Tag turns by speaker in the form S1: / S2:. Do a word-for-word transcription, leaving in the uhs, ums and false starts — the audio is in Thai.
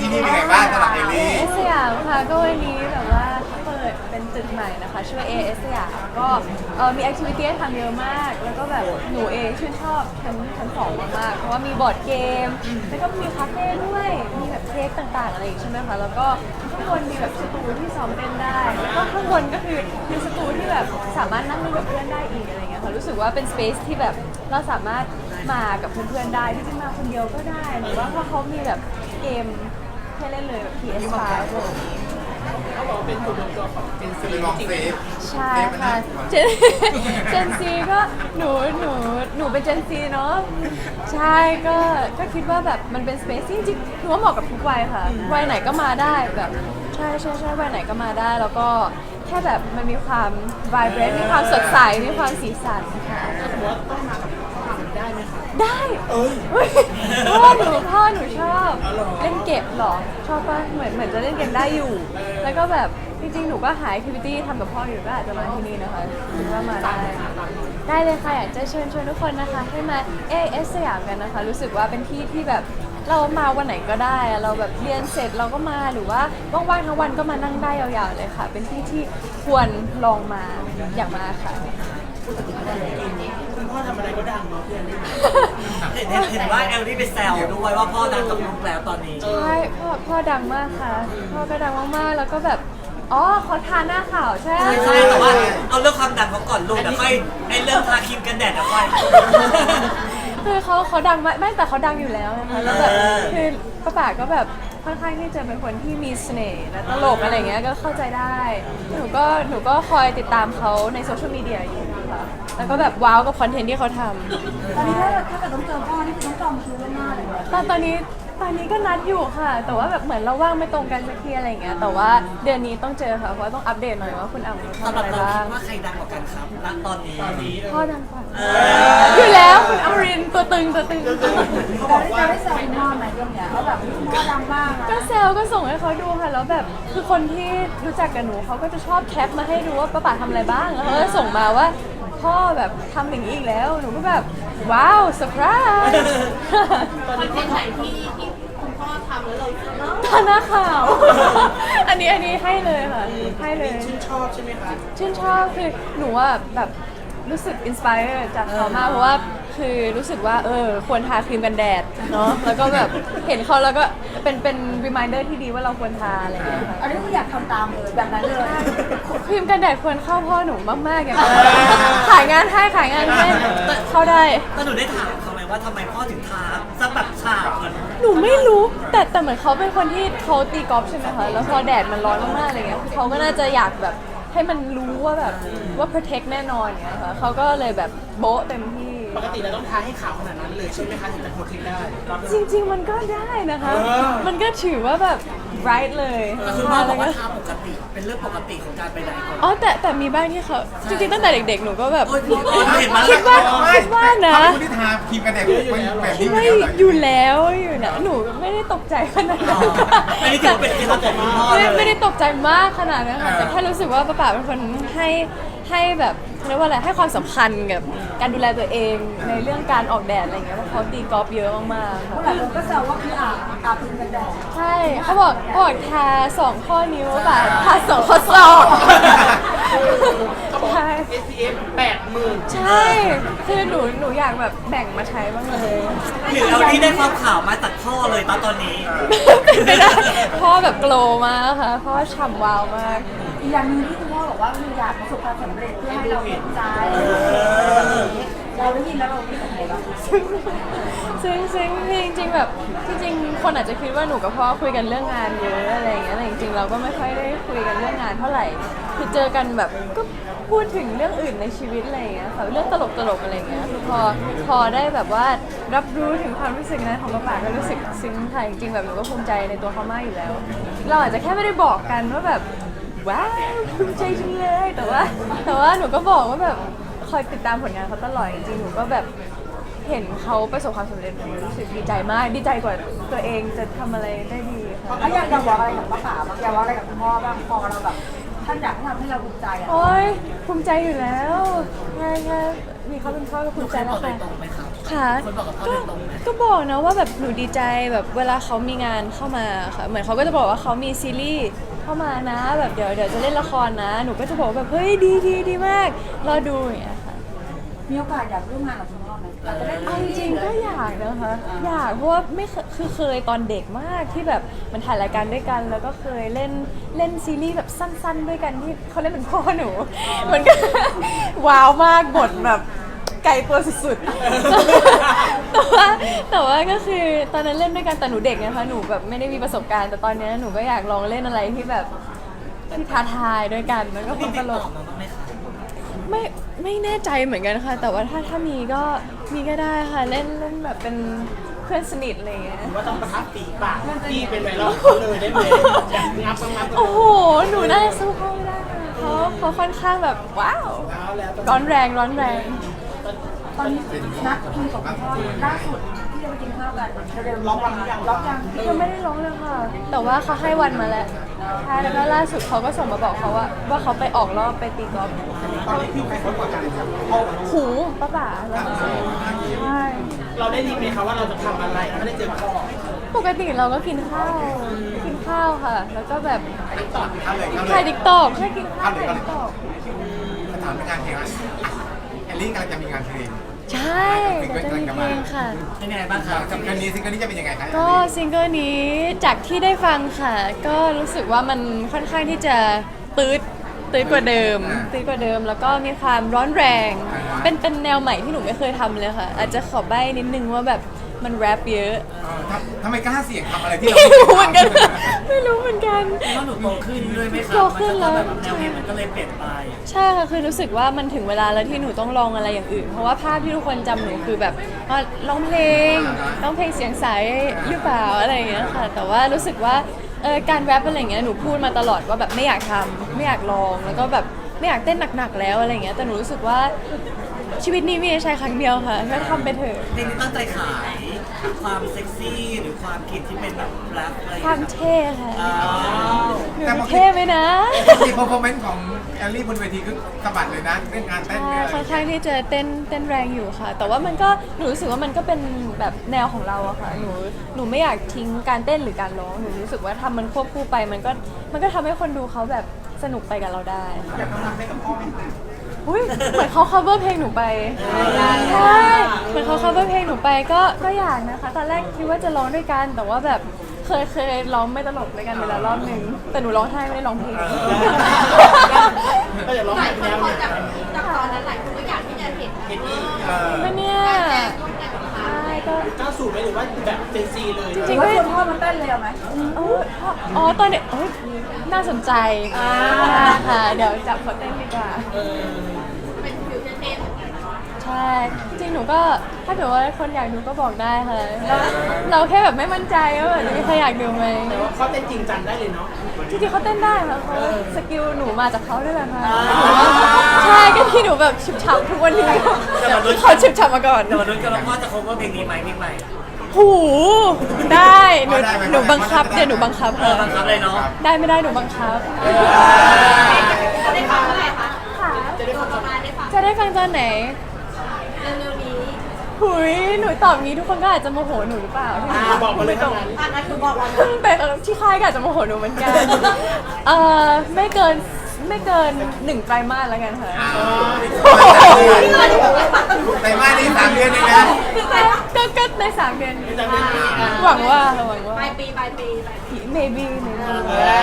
S1: ที่นี่เป็นไงบ้างสำหรับเอล
S2: เอ
S1: ลี่
S2: เอสยามค่ะก็วันนี้แบบว่าเปิดเป็นตึกใหม่นะคะชื่อ เอ เอส สยามก็เออมีแอคทิวิตี้ให้ทำเยอะมากแล้วก็แบบหนูเองชื่นชอบชั้นชั้นสองมากๆเพราะว่ามีบอร์ดเกมแล้วก็มีคาเฟ่ด้วยมีแบบเค้กต่างๆอะไรอย่างงี้ใช่ไหมคะแล้วก็ข้างบนมีแบบสตูที่ซ้อมเต้นได้แล้วก็ข้างบนก็คือมีสตูที่แบบสามารถนั่งเล่นกับเพื่อนได้อีกอะไรเงี้ยค่ะรู้สึกว่าเป็นสเปซที่แบบเราสามารถมากับเพื่อนๆได้ที่จะมาคนเดียวก็ได้หรือว่าถ้าเขามีแบบเกมให้เล่นเลยแบบ พี เอส ไฟว์ อะไรอย่างงี้
S3: เขาบอกว่าเป็นจุดรวมตัวของเจนซี
S1: คือลอง
S3: จริง
S1: เซฟ
S2: ใช่ค่ะเจนเจนซีก็หนูหนูหนูเป็นเจนซีเนาะใช่ก็ก็คิดว่าแบบมันเป็นสเปซจริงๆหนูว่าเหมาะกับทุกวัยค่ะวัยไหนก็มาได้แบบใช่ใช่ใช่วัยไหนก็มาได้ แล้วก็แค่แบบมันมีความ vibrant มีความสดใสมีความสีสันค่ะ
S3: ๆหัวต้องมากับพ่อได้ไหมคะ
S2: ได้อุ๊ยพ่อหนูพ่อหนูชอบเล่นเก็บเหรอชอบป่ะเหมือนเหมือนจะเล่นเกมได้อยู่ แล้วก็แบบจริงๆหนูก็หาแอคทิวิตี้ทำกับพ่ออยู่ก็อาจจะมาที่นี่นะคะคิดว่ามาได้ ได้เลยค่ะอยากจะเชิญชวนทุกคนนะคะให้มา เอ เอส สยามกันนะคะ รู้สึกว่าเป็นที่ที่แบบเรามาวันไหนก็ได้อะเราแบบเรียนเสร็จเราก็มาหรือว่าว่างๆทั้งวันก็มานั่งได้ยาวๆเลยค่ะ เป็นที่ที่ควรลองมาอยากมาค่ะ
S3: คุณพ่อทำอะไรก็ดังเนาะเพื่อนนี่
S4: เห็นเห็นเห็นว่าเอลลี่ไปแซวด้วยว่าพ่อดังกับลูกแล้วตอนนี้
S2: ใช่พ่อพ่อดังมากค่ะ พ่อก็ดังมากๆ แล้วก็แบบ อ๋อเขาทาหน้าขาวใช่ไหม
S4: ใช่ใช่แต่ว่าเอาเรื่องความดังเขาก่อนลูกเดี๋ยวค่อยไอ้เรื่องทาครีมกันแดดเดี๋ยวค่อย
S2: คือเขาเขาดังมากไม่แต่เขาดังอยู่แล้วนะคะแล้วแบบ
S4: เออ
S2: คือป้าป๋าก็แบบค่อนข้างที่จะเป็นคนที่มีเสน่ห์และตลกอะไรเงี้ยก็เข้าใจได้ หนูก็หนูก็คอยติดตามเขาในโซเชียลมีเดียอยู่ค่ะแล้วก็แบบว้าวกับคอนเทนต์ที่เขาทำ
S5: ตอนนี้ถ้าถ้าเกิดต้องเจอพ่อนี่คือต้องจองคิวล่วงหน้าเลยเหรอ
S2: ตอนตอนนี้ตอนนี้ก็นัดอยู่ค่ะ แต่ว่าแบบเหมือนเราว่างไม่ตรงกันสักทีอะไรอย่างเงี้ยแต่ว่าเดือนนี้ต้องเจอค่ะเพราะว่าต้องอัปเดตหน่อยว่าคุณอ่ำเขา
S4: สำ
S2: ทำ
S4: หรั
S2: อะ
S4: บ
S2: ไร
S4: เรา
S2: บ้า
S4: คิ
S2: ง
S4: ดว่าใครดังกว่ากันครับณตอนนี้
S3: ตอนนี้
S2: พ่อดังกว่า
S4: เอ
S2: อยู่แล้วคุณอมรินทร์ตัวตึงตัวตึง
S3: เขาบ
S5: เรา
S3: อก
S5: ได้
S3: ว่า
S5: ได้แซวคุณพ่อไหมเรื่องเนี้ยว่าแบบคุณพ่อดังมากนะ
S2: ก็แซวก็ส่งให้เขาดูค่ะแล้วแบบคือคนที่รู้จักกับหนูเขาก็จะชอบแคปมาให้ดูว่าป้าป๋าทำอะไรบ้างแล้วเขาก็ส่งมาว่าพ่อแบบทำอย่างนี้อีกแล้วหนูก็แบบว้าวเซอร์ไพรส์
S3: ตอนนี้พ่อท
S2: ตาหน้าขาว อันนี้อันนี้ให้เลยค่ะให้เลย
S3: ำชื่นชอบใช่ไหมคะ
S2: ชื่นชอบคือหนูอ่ะแบบรู้สึกอินสปายจากเขามากเพราะว่าคือรู้สึกว่าเออควรทาครีมกันแดดเนาะแล้วก็แบบเห็นเขาแล้วก็เป็นเป็นรีมายเดอร์ที่ดีว่าเราควรทาอะไรอย่างเงี้ยค่ะ
S5: อันนี้คืออยากทำตามเลยแบบนั้นเลย
S2: ครีมกันแดดควรเข้าพ่อหนูมากๆอย่างนั้นขายงานให้ขายงานให้เข้าได้
S4: แต่หนูได้ถามเขาไหมว่าทำไมพ่อถึงทาสักแบบฉาบเหมือน
S2: หนูไม่รู้แต่แต่เหมือนเขาเป็นคนที่เขาตีกอล์ฟใช่ไหมคะแล้วพอแดดมันร้อนมากๆอะไรเงี้ยคือเขาก็น่าจะอยากแบบให้มันรู้ว่าแบบว่า protect แน่นอนอย่างเงี้ยค่ะเขาก็เลยแบบโบ๊ะเต็มที่
S3: ปกติเราต้องทาให้ขาวขนาดนั้นเลยใช่ไหมคะถึงจะโพสต์คลิปได้
S2: จริง ๆ มันก็ได้นะคะ
S3: เออ
S2: มันก็ถือว่าแบบ bright เลย
S4: ก็คือพ่อบอกว่าทาปกติเป็นเรื่องปกติของการไปไหนก่อน
S2: อ๋อแต่แต่มีบ้างที่เขาจริงๆตั้งแต่เด็กๆหนูก็แบบ
S4: โอ๊ยพ่อเห็นมา
S2: คิดว่าคิดว่านะ
S1: เขาเป็นคนที่ทาครีมกันแดดเป็นแบบ
S2: คิ
S1: นี้
S2: ด
S1: อยู่
S2: ว่า
S1: แล้วเหรอ
S2: อยู่แล้วอยู่แล้วหนูไม่ได้ตกใจขนาดนั้น
S4: อันนี้ถือว่าเป็นเคล็ดลับของคุณพ่อ
S2: ไม่
S4: เลย
S2: ไม่ได้ตกใจมากขนาดนั้นค่ะแต่แค่รู้สึกว่าป้าป๋าเป็นคนให้ให้แบบเขาเรียกว่าอะไรให้ความสำคัญกับการดูแลตัวเองในเรื่องการออกแดดอะไรอย่างเงี้ยเพราะเขาตีกอล์ฟเยอะมากๆ
S5: เพราะห
S2: ค่ะ
S5: ลายคนก็แซวว่าคืออาบอาบพิมกันแดด
S2: ใช่เขาบอกเขาบอกทาสองข้อนิ้วป่ะทาสองข้อศอก
S3: เขาบอก
S2: ใช่
S3: เอส พี เอฟ แปดหมื่น
S2: ใช่ คือหนูหนูอยากแบบแบ่งมาใช้บ้างเลย
S4: หรือเราที่ได้ความข่าวมาตัดพ่อเลยตอนตอนนี้
S2: เป็นไปได้พ่อแบบโกลว์มากค่ะพ่อฉ่ำวาวมาก
S5: อีกอย่างหนึงที่คุณพ่อบอกว่าคืออยากประสบความสำเร็จเพื่อให้เราเห็นใจเราได้ยินแล้วเราคิดยังไงบ้าง
S2: ซึ่งซึ่งจริงๆแบบจริงๆคนอาจจะคิดว่าหนูกับพ่อคุยกันเรื่องงานเยอะอะไรอย่างเงี้ยแต่จริงๆเราก็ไม่ค่อยได้คุยกันเรื่องงานเท่าไหร่คือเจอกันแบบก็พูดถึงเรื่องอื่นในชีวิตอะไรอย่างเงี้ยค่ะเรื่องตลกๆอะไรอย่างเงี้ยคือพอพอได้แบบว่ารับรู้ถึงความรู้สึกนั้นของป้าป๋าก็รู้สึกซึ้งค่ะจริงๆแบบหนูก็ภูมิใจในตัวเขามากอยู่แล้ว เราอาจจะแค่ไม่ได้บอกกันว่าแบบว้าวภูมิใจจังเลยแต่ว่า แต่ว่าหนูก็บอกว่าแบบคอยติดตามผลงานเขาตลอดจริงๆหนูก็แบบเห็นเขาประสบความสำเร็จหนูรู้สึกดีใจมากดีใจกว่าตัวเองจะทำอะไรได้ดีค่ะ
S5: แล้วอยากอยากบอกอะไรกับป้าป๋าบ้างอยากบอกอะไรกับคุณพ่อบ้างพอเราแบบท่านอยากให้ทำให้เราภูมิใจอ่ะ
S2: โอ้ยภูมิใจอยู่แล้วแค่แค่มีเขาเป็นพ่อก็ภูมิใจ
S4: บ
S2: แล้
S4: อ
S2: ว
S4: กโด
S2: ค่ะ
S4: ยตรงไหมครับ
S2: ค่ะ
S3: คนบอกกับพ่อ
S2: ก็
S3: โดยตรงไหม
S2: ก็บอกนะว่าแบบหนูดีใจแบบเวลาเขามีงานเข้ามาค่ะเหมือนเขาก็จะบอกว่าเขามีซีรีส์เข้ามานะแบบเดี๋ยวเดี๋ยวจะเล่นละครนะ หนูก็จะบอกว่าแบบเฮ้ยดีดีดีมากรอดูอย่างเงี้ยค่ะ
S5: มีโอกาสอยากร่วมงานกับคุณพ่อไหมเราจะได้
S2: เอาจริงๆก็อยากนะคะอยากเพราะว่าไม่เคยคือเคยตอนเด็กมากที่แบบมันถ่ายรายการด้วยกัน แล้วก็เคยเล่นเล่นซีรีส์แบบสั้นๆด้วยกันที่เขาเล่นเป็นพ่อหนู มันก็ ว้าวมากบทแบบไกลตัวสุดๆ แต่ว่าแต่ว่าก็คือตอนนั้นเล่นด้วยกันแต่หนูเด็กนะคะหนูแบบไม่ได้มีประสบการณ์แต่ตอนนี้หนูก็อยากลองเล่นอะไรที่แบบที่ท้าทายด้วยกันมันก็ค
S4: พี่
S2: งต
S4: ติด
S2: ล
S4: ต่อก มาบ้างไหมคะ
S2: ไม่ไม่แน่ใจเหมือนกันค่ะ แต่ว่าถ้าถ้ามีก็มีก็ได้ค่ะเล่นเล่นแบบเป็นเพื่อนสนิทอะไรอย่างเงี้ย
S3: ว่าต้องประทับปีปากพี่เป็นไวรัลเขาเลยได้ไหมอยากงับงับงับ
S2: โอ้โหหนูน่าจะสู้เขาไม่ได้ค่ะเขาเขาค่อนข้างแบบว้าว
S3: แล้วแล้ว
S2: ร้อนแรงร้อนแรง
S5: ตอนนี้นัดคุยกับคุณพ่อล่าสุดที่จะไปกินข้าวกันเร็วๆล็อกวันยังล็อกยัง
S2: ยังไม่ได้ร้องเลยค่ะ แต่ว่าเขาให้วันมาแล้วใช่แล้วก็ล่าสุดเขาก็ส่งมาบอกเขาว่า ว่าเขาไปออกรอบไปตีกอล์ฟ
S1: ตอนนี้พี่ใครเขากดกันครับ
S2: หูป้าป๋าแล้วใช่
S3: เราได้ดีไหมคะว่าเราจะทำอะไรถ้าได้เจอพ่อ
S2: ปกติเราก็กินข้าวกินข้าวค่ะ แล้วก็แบบ
S1: เข้าเลยเข้าเล
S2: ถ่าย
S1: ย
S2: ดิกตอกใช่กินข้าวถ่ายดิกตอก
S1: ถามเป็นงานเพลงอ่ะแอลลี่กำลังจะมีงานเพลง
S2: ใช่จะมีเพลงค่ะ
S4: เป็นยังไงบ้างคะ
S1: กับซิงเกิลนี้ซิงเกิลนี้จะเป็นยังไงคะ
S2: ก็ซิงเกิลนี้จากที่ได้ฟังค่ะ ก็รู้สึกว่ามันค่อนข้างที่จะตืดตืดกว่าเดิมตืดกว่าเดิม แล้วก็มีความร้อนแรง เป็นเป็นแนวใหม่ที่หนูไม่เคยทำเลยค่ะ อาจจะขอใบ้นิดนึงว่าแบบมันแรปเยอะ
S1: เออทำทำไมกล้าเสี่ยงทำอะไรที่เรา
S2: ไม่
S1: ไม่
S2: รู้
S1: เคย
S2: เหมือนกัน
S1: ทำ
S2: ไม่รู้เหมือนกัน
S4: เพราะหนูโตขึ้นด้วยไหมคะ
S2: โตขึ้นแล้ว
S4: มันก็แบบแนวเพลงมันก็เลยเปลี่ยนไป
S2: ใช่ค่ะ คือรู้สึกว่ามันถึงเวลาแล้วที่หนูต้องลองอะไรอย่างอื่น เพราะว่าภาพที่ทุกคนจำหนูคือแบบว่าร้องเพลงร้องเพลงเสียงใสหรือเปล่าอะไรอย่างเงี้ยค่ะ แต่ว่ารู้สึกว่าเออการแรปอะไรอย่างเงี้ยหนูพูดมาตลอดว่าแบบไม่อยากทำไม่อยากลอง แล้วก็แบบไม่อยากเต้นหนักๆแล้วอะไรอย่างเงี้ย แต่หนูรู้สึกว่าชีวิตนี้มีใช้ครั้งเดียวค่ะแค่ทำไปเถอะ
S4: เพลงนี้ตั้งใจขายความเซ็กซี่หรือความกลิ่นที่เป็นแบบแรปอะไรอย่าง
S2: ความ
S4: เงี้ย
S2: เท่ค่ะ
S4: อ่า
S2: หนูเท่ไหมนะ
S1: ที่ performance ของแอลลี่บนเวทีคือสะบัดเลยนะเรื่องการเต้น
S2: ใช่
S1: เนี่ย
S2: ค่อนข้างที่จะเต้นเต้นแรงอยู่ค่ะ แต่ว่ามันก็หนูรู้สึกว่ามันก็เป็นแบบแนวของเราอะค่ะหนูหนูไม่อยากทิ้งการเต้นหรือการร้องหนูรู้สึกว่าทำมันควบคู่ไปมันก็มันก็ทำให้คนดูเขาแบบสนุกไปกับเราได้
S1: อยากทำงานให้กับพ่อไหม
S2: อุ้ยเหมือนเขา cover เพลงหนูไปใช่เหมือนเขา cover เพลงหนูไปก็ก็อยากนะคะตอนแรกคิดว่าจะร้องด้วยกัน แต่ว่าแบบเคยเคยร้องไม่ตลกด้วยกันเวลารอบหนึ่งแต่หนูร้องไห้ไม่ได้ร้องเพลง
S3: ก็อย่าร้องแบบแนวเนี่ย
S5: จากตอนนั้นหลายคนก็อยากที่จะเห็น
S3: เห็นอีก
S1: เออ
S2: ไม่เนี่ยใช่ก็
S3: ก้าวสู่ไหมหรือว่าแบบเจนซีเลย
S2: จริง
S5: ว่า
S2: ๆ
S5: ชวนพ่อมาเต้นเลยเอาไหม
S2: เอออ๋อตอนเด็กเอ้ยน่าสนใจค่ะ เดี๋ยวจับเขาเต้นดีกว่า
S3: เออ
S5: เป็นฟิวเจอร์เต้น
S2: ใช่ จริงหนูก็ถ้าเกิดว่าคนอยากดูก็บอกได้ค่ะเราเราแค่แบบไม่มั่นใจว่าแบบจะมีใครอยากดูไหม
S3: แต่ว่าเขาเต้นจริงจังได้เลยเนาะ
S2: จริงๆเขาเต้นได้ค่ะเขาสกิลหนูมาจากเขาด้วยแหละค่ะใช่ก็ที่หนูแบบฉุบฉับทุกวันนี้เขาฉุบฉับมาก่อน
S4: เดี๋ยวมาดูกันว่าพ่อจะ cover เพลงนี้ไหมมิกใหม่
S2: หูได้หนูหนูบังคับเดี๋ยวหนูบังคับ
S4: เออบังคับเลยเนาะ
S2: ได้ไม่ได้หนูบังคับ
S5: จะได้ฟังเมื่อไหร่คะ
S2: ค่ะ
S5: จะได้ฟังประมาณได้ฟัง
S2: จะได้ฟังตอนไหน
S5: เร็วๆนี้
S2: หุยหนูตอบงี้ทุกคนก็อาจจะโมโหหนูหรือเปล่า
S3: อ่าบอกมาเลยทั้งนั้น
S5: อันนั้นคือบอกเรา
S2: แต่ที่ค่ายก็อาจจะโมโหหนูเหมือนกันเอ่อไม่เกินไม่เกินหนึ่งไตรมาสแล้วกันค่ะ
S1: ในบ้านนี้สามเดือนเองนะ
S2: ก็ก็ในสามเดือนนี้
S3: จะเล่นนี้อ่ะ
S2: หวังว่าค่ะหวังว่า
S5: ปลายปีปลายปีปลายปี
S2: maybe maybe
S3: เออ